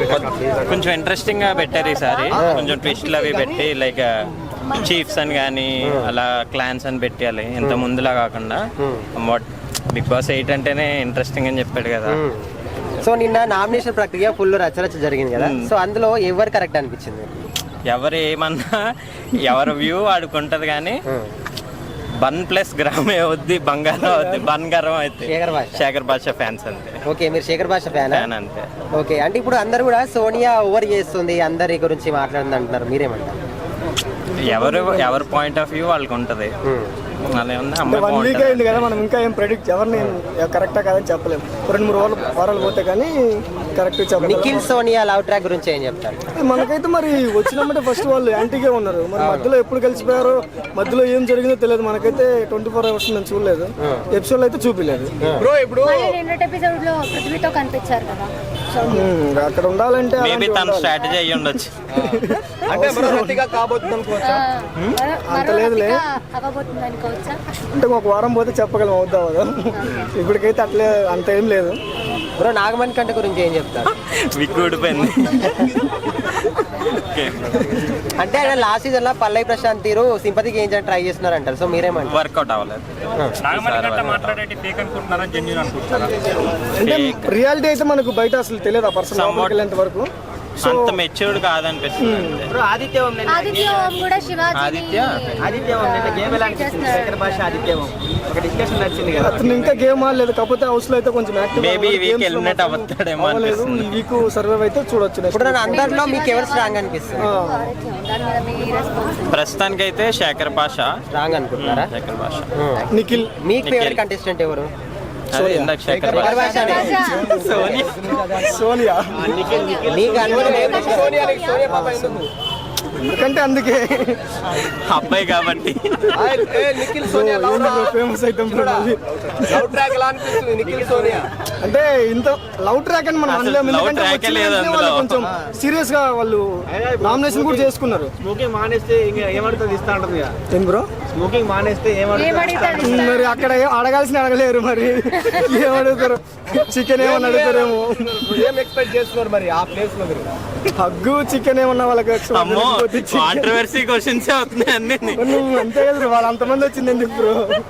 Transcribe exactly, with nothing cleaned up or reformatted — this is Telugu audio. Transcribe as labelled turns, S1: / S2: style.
S1: కొంచెం ఇంట్రెస్టింగ్ గా పెట్టారు ఈసారి, కొంచెం ట్విస్ట్లు అవి పెట్టి లైక్ చీఫ్స్ అని కానీ అలా క్లాన్స్ అని పెట్టాలి, ఇంత ముందులా కాకుండా. వాట్ బిగ్ బాస్ ఎయిట్ అంటేనే ఇంట్రెస్టింగ్ అని చెప్పాడు కదా.
S2: సో నిన్న నామినేషన్ ప్రక్రియ ఫుల్ రచరచ జరిగింది కదా, సో అందులో ఎవరు కరెక్ట్ అనిపించింది?
S1: ఎవరు ఏమన్నా ఎవరి వ్యూ ఆడుకుంటది కానీ బన్ ప్లస్ గ్రామే అవుద్ది బంగారం అవుద్ది బంగారం అయితే శేఖర్ భాష ఫ్యాన్స్ అంతే.
S2: ఓకే, మీరు శేఖర్ భాష ఫ్యాన్
S1: అంతే.
S2: ఓకే, అంటే ఇప్పుడు అందరు కూడా సోనియా ఓవర్ చేస్తుంది అందరి గురించి మాట్లాడింది అంటున్నారు, మీరేమంటారు?
S1: ఎవరు ఎవరి పాయింట్ ఆఫ్ వ్యూ వాళ్ళకి ఉంటది.
S3: వన్ వీక్ అయింది కదా, మనం ఇంకా ఏం ప్రెడిక్ట్ ఎవరిని కరెక్టా కాదని చెప్పలేము. రెండు మూడు వారాలు వారాలు పోతే కానీ కరెక్ట్ చెప్పలేదు.
S2: నిఖిల్ సోనియా లవ్ ట్రాక్ గురించి ఏం చెప్తారు?
S3: మనకైతే మరి వచ్చినప్పుడే ఫస్ట్ వాళ్ళు యాంటీగా ఉన్నారు, మరి మధ్యలో ఎప్పుడు కలిసిపోయారో మధ్యలో ఏం జరిగిందో తెలియదు. మనకైతే ట్వంటీ ఫోర్ అవర్స్ నేను చూడలేదు, ఎపిసోడ్ అయితే చూపించలేదు. అక్కడ ఉండాలంటే
S1: స్ట్రాటజీ అయ్యి ఉండొచ్చు,
S3: అంత లేదులే. అంటే ఒక వారం పోతే చెప్పగలం అవుతా కదా, ఇప్పటికైతే అట్లే అంత ఏం లేదు.
S2: బ్రో నాగమణి కంట గురించి ఏం చెప్తారు?
S1: విక్కు ఊడిపోయింది
S2: అంటే ఆయన లాస్ట్ సీజన్ లో పల్లవి ప్రశాంత్ తీరు సింపతికి ఏం ట్రై చేస్తున్నారు అంటారు, సో మీరేమంటారు?
S1: వర్కౌట్ అవ్వలేదు.
S3: అంటే రియాలిటీ అయితే మనకు బయట అసలు తెలియదు, ఆ పర్సన్ వెళ్ళేంత వరకు
S1: అంత మెచ్యూర్డ్ కాదనిపిస్తుంది.
S4: ఆదిత్య ఆదిత్య కూడా శివాజీ
S1: ఆదిత్య
S2: ఆదిత్య గేమ్ ఎలా అనిపిస్తుంది? శేఖర్ భాష ఆదిత్య ఒక డిస్కషన్ నచ్చింది కదా,
S3: అతను ఇంకా గేమ్ ఆడలేదు, కాకపోతే హౌస్ లో అయితే కొంచెం యాక్టివ్.
S1: మేబీ ఈ వీక్ ఎలిమినేట్ అవ్వతాడేమో అనిపిస్తుంది.
S3: ఈ వీక్ సర్వైవ్ అయితే చూడొచ్చు.
S2: ఇప్పుడు అందరిలో మీకు ఎవరు స్ట్రాంగ్ అనిపిస్తుంది?
S1: ప్రస్తుతానికి అయితే శేఖర్ భాష
S2: స్ట్రాంగ్ అనుకుంటున్నారా?
S1: శేఖర్ భాష.
S3: నిఖిల్
S2: మీకు ఫేవరెట్ కంటెస్టెంట్ ఎవరు?
S1: శేఖర్ భాష.
S3: సోనియా. ఎందుకంటే అందుకే
S1: అబ్బాయి కాబట్టి
S3: ఫేమస్ అయితాం. అంటే ఇంత లవ్ ట్రాక్ అని మనం అనలేము, ఎందుకంటే కొంచెం సీరియస్ గా వాళ్ళు నామినేషన్ కూడా చేసుకున్నారు.
S5: స్మోకింగ్ మానేస్తే ఇంకా ఏమడుతుంది ఇస్తా ఉంటుంది.
S3: ఏం బ్రో
S5: స్మోకింగ్ మానేస్తే ఏమడుతుంది?
S3: మరి అక్కడ అడగాల్సిన అడగలేరు, మరి ఏమడుగుతారు? చికెన్ ఏమన్నా అడుగుతారేమో.
S5: ఏం ఎక్స్పెక్ట్ చేస్తున్నారు మరి ఆ ప్లేస్ లో?
S3: హగ్గు చికెన్ ఏమన్నా వాళ్ళకి
S1: కాంట్రవర్సీ క్వశ్చన్స్ అవుతున్నాయి అన్ని.
S3: అంతే కదా, వాళ్ళు అంతమంది వచ్చింది ఎందుకు బ్రో?